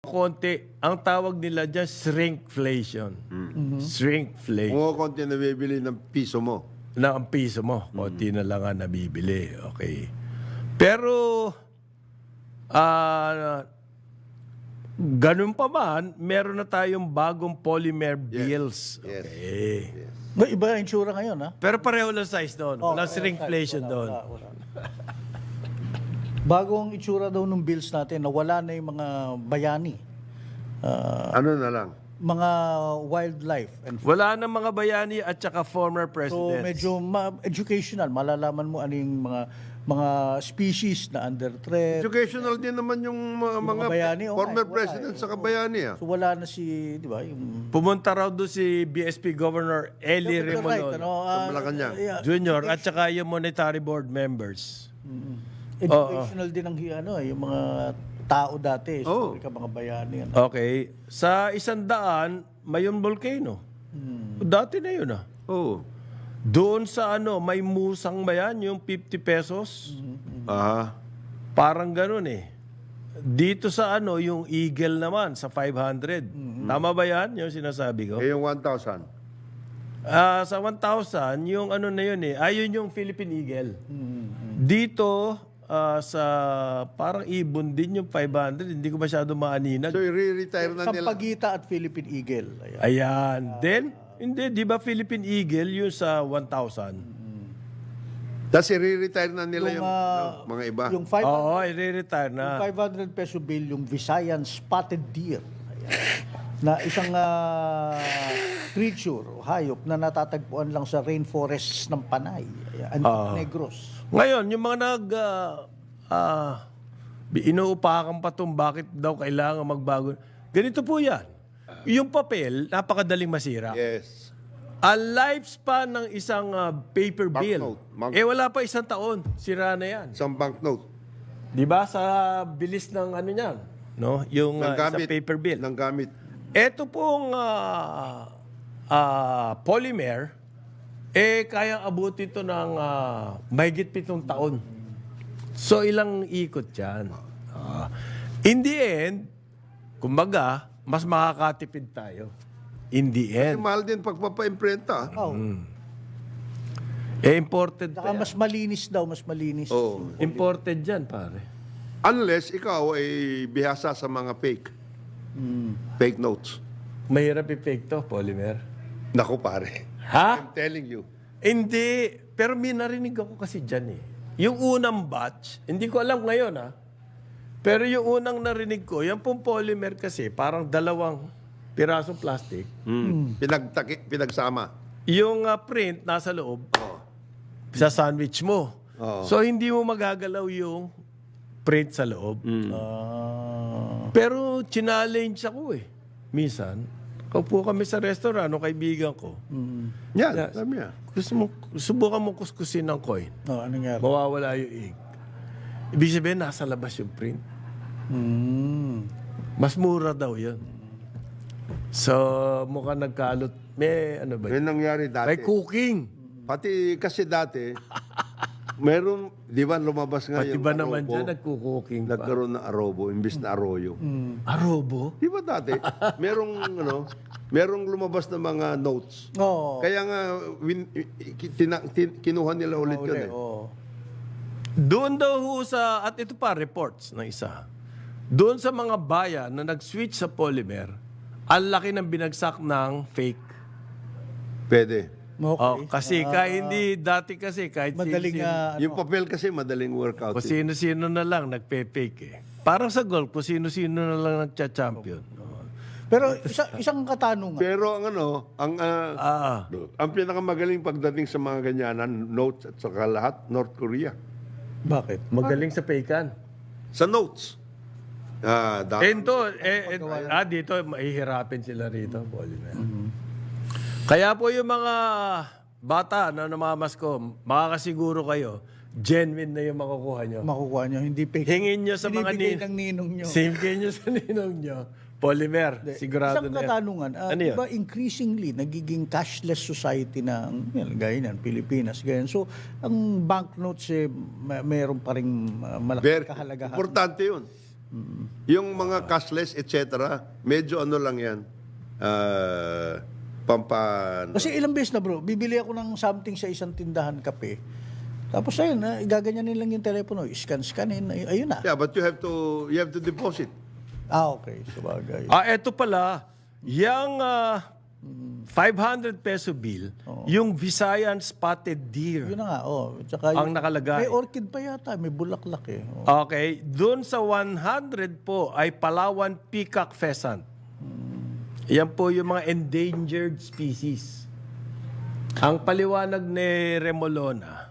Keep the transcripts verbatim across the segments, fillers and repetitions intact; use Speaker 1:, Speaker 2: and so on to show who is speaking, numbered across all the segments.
Speaker 1: konti, ang tawag nila dyan, shrinkflation. Shrinkflation.
Speaker 2: Kung konti na bibili ng piso mo.
Speaker 1: Na ang piso mo, konti na lang ang nabibili. Okay. Pero, ah, ganun pa man, meron na tayong bagong polymer bills.
Speaker 2: Yes.
Speaker 1: Okay.
Speaker 2: Yes.
Speaker 3: May iba ang itsura ngayon, ha?
Speaker 1: Pero pareho lang size doon.
Speaker 3: Oh,
Speaker 1: Walang
Speaker 3: wala,
Speaker 1: shrinkflation
Speaker 3: wala,
Speaker 1: doon.
Speaker 3: wala, wala. Bagong itsura daw ng bills natin na wala na yung mga bayani. Ah,
Speaker 2: Ano na lang?
Speaker 3: mga wildlife. And
Speaker 1: Wala na mga bayani at saka former
Speaker 3: so
Speaker 1: presidents.
Speaker 3: medyo ma- educational. Malalaman mo ano yung mga mga species na under threat.
Speaker 2: Educational din naman yung mga, mga
Speaker 3: mga bayani, oh,
Speaker 2: former
Speaker 3: wala,
Speaker 2: president
Speaker 3: eh.
Speaker 2: sa kabayani. Ah.
Speaker 3: So wala na si, di ba, yung
Speaker 1: Pumunta raw doon si B S P Governor Eli
Speaker 3: You're right,
Speaker 1: Remolon
Speaker 3: ano, ah,
Speaker 2: Sa Malacanang.
Speaker 3: yeah,
Speaker 1: Junior at saka yung monetary board members.
Speaker 3: educational din ang hi- ano, yung mga tao dati,
Speaker 2: Oh.
Speaker 3: historical mga bayani. Ano.
Speaker 1: Okay. Sa isang daan, Mayon Volcano. Dati na yun ah.
Speaker 2: Oo.
Speaker 1: Doon sa ano, may musang ba yan? Yung fifty pesos?
Speaker 2: Ah.
Speaker 1: Parang ganun eh. Dito sa ano, yung Eagle naman, sa five hundred. Tama ba yan? Yung sinasabi ko?
Speaker 2: Eh yung one thousand.
Speaker 1: Ah, sa one thousand, yung ano na yun eh. Ayun yung Philippine Eagle. Dito, ah, sa parang ibon din yung five hundred. Hindi ko masyado maaninag.
Speaker 2: So i-retire na nila.
Speaker 3: Sampagita at Philippine Eagle. Ayan.
Speaker 1: Ayan. Then, hindi, di ba Philippine Eagle yung sa one thousand?
Speaker 2: Tapos i-retire na nila yung,
Speaker 3: ah,
Speaker 2: no, mga iba.
Speaker 3: Yung five hundred,
Speaker 1: Oo, i-retire
Speaker 3: yung
Speaker 1: na.
Speaker 3: five hundred peso bill, yung Visayan spotted deer. Ayan. Na isang ah, creature o hayop na natatagpuan lang sa rainforests ng Panay. Ayan, Antique Negros.
Speaker 1: Ngayon, yung mga nag... ah, ah, inuupakan pa itong bakit daw kailangan magbago. Ganito po yan. Yung papel, napakadaling masira.
Speaker 2: Yes.
Speaker 1: Ang lifespan ng isang ah, paper bill,
Speaker 2: Banknote. Bank-
Speaker 1: eh wala pa isang taon. Sira na yan.
Speaker 2: Isang banknote.
Speaker 1: Di ba? Sa bilis ng ano niyan, no? Yung ah, isang
Speaker 2: Nanggamit.
Speaker 1: paper bill.
Speaker 2: Nanggamit.
Speaker 1: Ito pong ah, ah, polymer, eh kayang abutin ito ng ah, mahigit pitong taon. So ilang ikot yan. Ah, in the end, kumbaga, mas makakatipid tayo. In the
Speaker 2: Kasi
Speaker 1: end.
Speaker 2: mahal din pagpapa-imprenta.
Speaker 3: Oh.
Speaker 1: Eh, imported
Speaker 3: Saka
Speaker 1: pa yan.
Speaker 3: mas malinis daw, mas malinis.
Speaker 2: Oo.
Speaker 1: Imported yan, pare.
Speaker 2: Unless ikaw ay bihasa sa mga fake. Fake notes.
Speaker 1: Mahirap i-fake to, polymer.
Speaker 2: Naku pare.
Speaker 1: Ha?
Speaker 2: I'm telling you.
Speaker 1: Hindi. Pero may narinig ako kasi dyan eh. Yung unang batch, hindi ko alam ngayon ha. Pero yung unang narinig ko, yung pong polymer kasi, parang dalawang pirasong plastic.
Speaker 2: Mm. Pinagtaki, pinagsama.
Speaker 1: Yung ah, print nasa loob, sa sandwich mo.
Speaker 2: Oo.
Speaker 1: So hindi mo magagalaw yung print sa loob.
Speaker 3: Ah.
Speaker 1: Pero challenge ako eh. Minsan, kaupo kami sa restaurant, no, kaibigan ko.
Speaker 2: Yan,
Speaker 1: Yeah.
Speaker 2: sabi niya.
Speaker 1: Gusto mo, subukan mo kuskusin ng coin.
Speaker 3: Oh, ano nga?
Speaker 1: Mawawala yung ink. Ibig sabihin, nasa labas yung print.
Speaker 3: Mm.
Speaker 1: Mas mura daw yun. So, mukhang nagkalot. May ano ba?
Speaker 2: Yan nangyari dati.
Speaker 1: May cooking.
Speaker 2: Pati kasi dati, meron, di ba lumabas nga
Speaker 1: Pati
Speaker 2: yung
Speaker 1: ba naman
Speaker 2: arobo,
Speaker 1: dyan, nagkukuking pa?
Speaker 2: nagkaroon ng arobo, imbis na arroyo.
Speaker 1: Arobo?
Speaker 2: Di ba dati, merong, ano, merong lumabas na mga notes.
Speaker 3: Oo.
Speaker 2: Kaya nga, win, tina, tin, kinuha nila ulit yun eh.
Speaker 3: Oo.
Speaker 1: Doon daw ho sa, at ito pa, reports ng isa. Doon sa mga bayan na nag-switch sa polymer, ang laki ng binagsak ng fake.
Speaker 2: Pwede.
Speaker 3: Okay.
Speaker 1: Oh, kasi kahit hindi, dati kasi kahit
Speaker 3: Madaling
Speaker 1: sino,
Speaker 3: ah, ano,
Speaker 2: Yung papel kasi madaling workout.
Speaker 1: kung
Speaker 2: Eh.
Speaker 1: sino-sino na lang nagpe-fake eh. Parang sa golf, kung sino-sino na lang nagcha-champion.
Speaker 3: Pero isa, isang katanungan.
Speaker 2: Pero ang ano, ang ah,
Speaker 1: Ah,
Speaker 2: ang pinakamagaling pagdating sa mga ganyanan, notes at saka lahat, North Korea.
Speaker 3: Bakit?
Speaker 1: magaling sa fakean.
Speaker 2: Sa notes. Ah, da-
Speaker 1: Eh, ito, eh, eh, ah, dito, mahihirapin sila rito, polymer. Kaya po yung mga bata na namamasko, makakasiguro kayo, genuine na yung makukuha nyo.
Speaker 3: Makukuha nyo, hindi fake.
Speaker 1: Hingin nyo sa mga
Speaker 3: Binibigay
Speaker 1: nin-
Speaker 3: ng ninong nyo.
Speaker 1: Simple nyo sa ninong nyo. Polymer, sigurado
Speaker 3: Isang
Speaker 1: na yan.
Speaker 3: katanungan, ah,
Speaker 1: Ano
Speaker 3: di
Speaker 1: yun?
Speaker 3: ba increasingly nagiging cashless society na ang yan, gaya yan, Pilipinas, ganyan. So, ang banknotes eh, may, mayroon pa rin uh, malaking
Speaker 2: Very
Speaker 3: kahalagahan.
Speaker 2: importante yun. Yung mga cashless, et cetera, medyo ano lang yan. Uh, pampan...
Speaker 3: Kasi ilang beses na bro, bibili ako ng something sa isang tindahan kape. Tapos ayun, na, igaganyanin lang yung telepono, scan-scanin, ay- ayun na.
Speaker 2: Yeah, but you have to you have to deposit.
Speaker 3: Ah, okay. Sabagay.
Speaker 1: Ah, eto pala, yung ah, five hundred peso bill, yung Visayan Spotted Deer.
Speaker 3: Yun na nga, oh. Tsaka
Speaker 1: Ang
Speaker 3: yung-
Speaker 1: nakalagay.
Speaker 3: May orchid pa yata, may bulaklak eh. Oh.
Speaker 1: Okay, doon sa one hundred po ay Palawan Peacock Pheasant. Yan po yung mga endangered species. Ang paliwanag ni Remolona,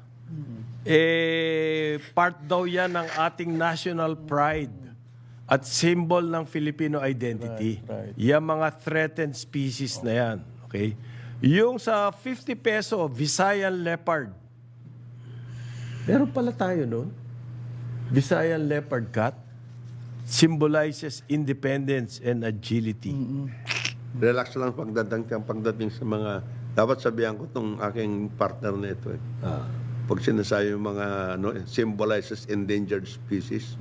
Speaker 1: eh, part daw yan ng ating national pride at symbol ng Filipino identity.
Speaker 3: Right, right.
Speaker 1: Yung mga threatened species na yan. Okay? Yung sa fifty peso, Visayan Leopard. Meron pala tayo nun. Visayan Leopard Cat symbolizes independence and agility.
Speaker 2: Relax lang pagdating pagdating sa mga dapat sabihan ko tong aking partner na ito eh. Pag sinasabi yung mga ano, symbolizes endangered species,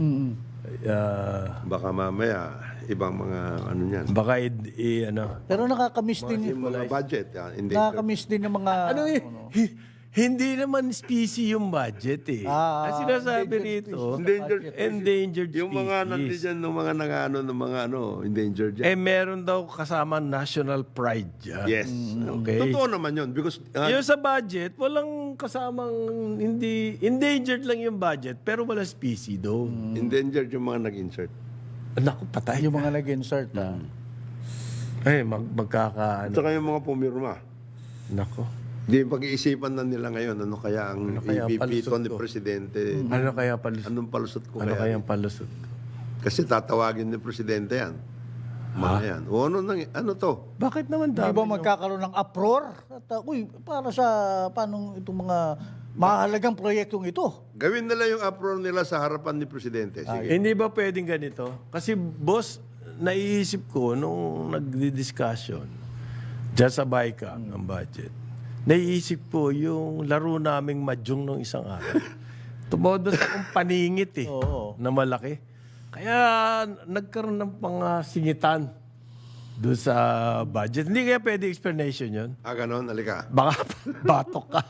Speaker 1: Ah,
Speaker 2: baka mamaya ibang mga ano niyan.
Speaker 1: baka i- i- ano.
Speaker 3: Pero nakakamiss din,
Speaker 2: Yung mga budget, yeah, endangered.
Speaker 3: nakakamiss din yung mga...
Speaker 1: Ano eh, hi- hindi naman species yung budget eh.
Speaker 3: Ah,
Speaker 1: Ang sinasabi rito,
Speaker 2: Endangered
Speaker 1: endangered species.
Speaker 2: Yung mga nandiyan ng mga nangano ng mga ano, endangered yan.
Speaker 1: Eh, meron daw kasama national pride dyan.
Speaker 2: Yes.
Speaker 1: Okay.
Speaker 2: Totoo naman yun because uh,
Speaker 1: Yung sa budget, walang kasamang, hindi, endangered lang yung budget, pero wala species doon.
Speaker 2: endangered yung mga nag-insert.
Speaker 1: Naku, patay.
Speaker 3: Yung mga nag-insert, ah.
Speaker 1: Eh, mag, magkaka,
Speaker 2: At
Speaker 1: ano.
Speaker 2: saka yung mga pumirma.
Speaker 1: Naku.
Speaker 2: Di pag-iisipan na nila ngayon, ano kaya ang
Speaker 1: kaya ang
Speaker 2: ipipito
Speaker 1: palusot
Speaker 2: ni
Speaker 1: ko?
Speaker 2: Presidente?
Speaker 1: Ano kaya palusot?
Speaker 2: Anong palusot ko
Speaker 1: Ano kaya
Speaker 2: kaya?
Speaker 1: ang palusot ko?
Speaker 2: Kasi tatawagin ni Presidente yan. Mga yan. O ano, nang, ano to?
Speaker 1: Bakit naman
Speaker 3: Di
Speaker 1: dami?
Speaker 3: ba magkakaroon ng uproar? At, uh, uy, para sa, paano itong mga mahalagang proyektong ito?
Speaker 2: Gawin nila yung uproar nila sa harapan ni Presidente. Sige.
Speaker 1: Hindi ba pwedeng ganito? Kasi boss, naiisip ko nung nagdi-discussion dyan sa BICAM ang budget, naiisip ko yung laro naming mahjong nung isang araw. Tumodo sa akong paningit eh,
Speaker 3: Oo.
Speaker 1: na malaki. Kaya nagkaroon ng pangasingitan doon sa budget. Hindi kaya pwede explanation yun?
Speaker 2: Ah, ganon, alika.
Speaker 1: Baka batok ka.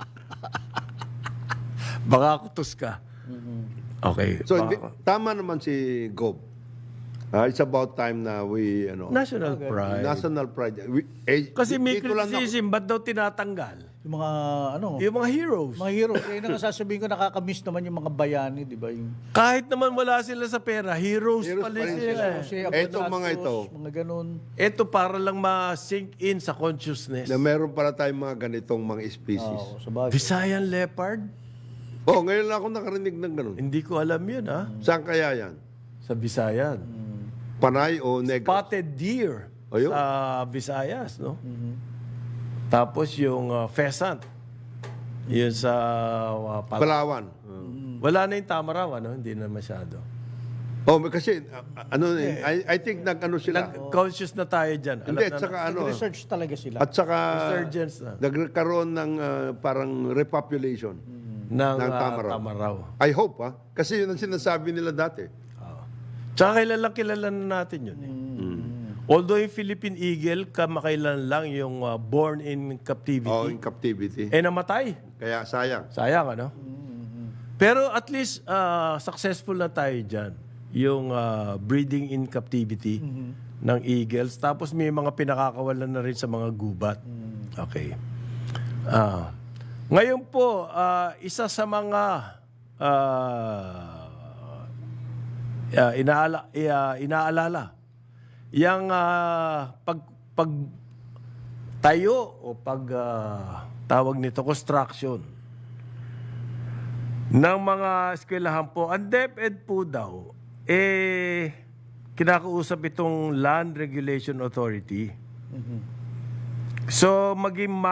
Speaker 1: Baka kutos ka. Okay.
Speaker 2: So,
Speaker 1: baka-
Speaker 2: hindi, tama naman si Gob. Ah, it's about time na we, ano,
Speaker 1: National pride.
Speaker 2: national pride. We, eh,
Speaker 1: Kasi may
Speaker 2: dito lang ako-
Speaker 1: criticism, ba't daw tinatanggal?
Speaker 3: Yung mga, ano,
Speaker 1: Yung mga heroes.
Speaker 3: mga hero. Kaya na nga sasabihin ko, nakakamiss naman yung mga bayani, di ba? Yung,
Speaker 1: Kahit naman wala sila sa pera, heroes,
Speaker 2: Heroes
Speaker 1: pala
Speaker 2: pa rin
Speaker 1: sila.
Speaker 2: sila.
Speaker 1: eh.
Speaker 3: si
Speaker 2: Etong mga ito.
Speaker 3: mga ganun.
Speaker 1: Ito para lang ma-sink in sa consciousness.
Speaker 2: na meron pala tayong mga ganitong mga species.
Speaker 3: Oo, sa bagay.
Speaker 1: Visayan leopard?
Speaker 2: Oh, ngayon lang ako nakarinig ng ganun.
Speaker 1: Hindi ko alam yun, ha?
Speaker 2: Saan kaya yan?
Speaker 1: Sa Visayan.
Speaker 2: Panay o negro?
Speaker 1: Spotted deer
Speaker 2: Ayun.
Speaker 1: sa Visayas, no? Tapos yung uh, pheasant. Yun sa uh, Pal-
Speaker 2: Palawan.
Speaker 1: Wala na yung tamaraw, ano? Hindi na masyado.
Speaker 2: Oh, kasi, uh, ano, eh, I, I think nag-ano sila.
Speaker 1: Conscious na tayo dyan. Alam
Speaker 2: Hindi,
Speaker 1: na
Speaker 2: at saka ano,
Speaker 3: Research talaga sila.
Speaker 2: at saka,
Speaker 1: Resurgence na.
Speaker 2: nagkaroon ng uh, parang repopulation.
Speaker 1: ng,
Speaker 2: ng
Speaker 1: uh,
Speaker 2: tamaraw.
Speaker 1: tamaraw.
Speaker 2: I hope, ha? Kasi yun ang sinasabi nila dati.
Speaker 1: Tsaka kilalang kilala na natin yun. Eh. Although yung Philippine Eagle, kamakailan lang yung uh, born in captivity.
Speaker 2: Oh, in captivity.
Speaker 1: Eh namatay.
Speaker 2: Kaya sayang.
Speaker 1: Sayang, ano? Pero at least uh, successful na tayo dyan. Yung uh, breeding in captivity ng eagles. Tapos may mga pinakakawalan na rin sa mga gubat. Okay. Ah. Ngayon po, uh, isa sa mga uh, uh, inaala, uh, inaalala yung uh, pag, pag tayo o pag uh, tawag nito construction ng mga eskwelahan po, ang DepEd po daw, eh, kinakausap itong Land Regulation Authority. So, maging